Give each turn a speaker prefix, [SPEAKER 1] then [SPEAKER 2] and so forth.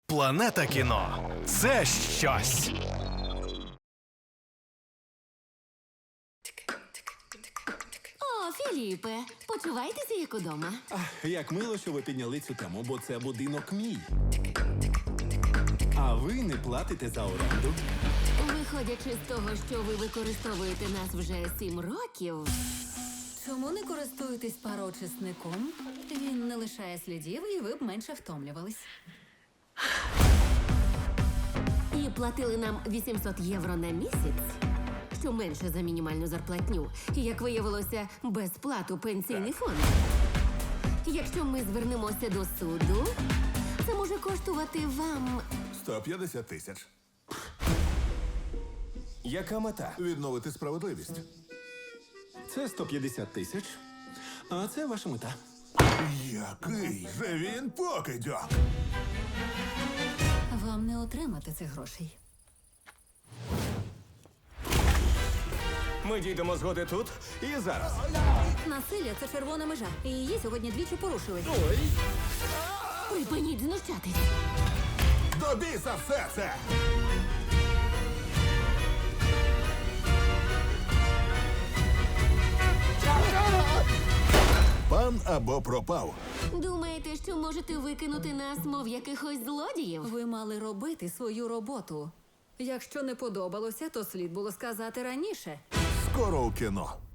[SPEAKER 1] Планета кіно – це щось.
[SPEAKER 2] О, Філіпе, почувайтеся як удома.
[SPEAKER 3] Як мило, що ви підняли цю тему, бо це будинок мій. А ви не платите за оренду.
[SPEAKER 2] Виходячи з того, що ви використовуєте нас вже 7 років,
[SPEAKER 4] Чому не користуєтесь пароочисником? Він не лишає слідів, і ви б менше втомлювались.
[SPEAKER 2] і платили нам 800 євро на місяць, що менше за мінімальну зарплатню, і, як виявилося, безплату пенсійний фонд. Якщо ми звернемося до суду, це може коштувати вам
[SPEAKER 5] 150 тисяч.
[SPEAKER 6] Яка мета?
[SPEAKER 5] Відновити справедливість.
[SPEAKER 3] Це 150 тисяч. А це ваша мета.
[SPEAKER 5] Який же він покидьок!
[SPEAKER 4] Вам не отримати цих грошей.
[SPEAKER 6] Ми дійдемо згоди тут і зараз.
[SPEAKER 4] Насилля – це червона межа. І її сьогодні двічі порушили.
[SPEAKER 2] припиніть знущатись.
[SPEAKER 5] До біса все це! Пан або пропав.
[SPEAKER 2] Думаєте, що можете викинути нас, мов якихось злодіїв?
[SPEAKER 4] Ви мали робити свою роботу. Якщо не подобалося, то слід було сказати раніше.
[SPEAKER 5] Скоро у кіно.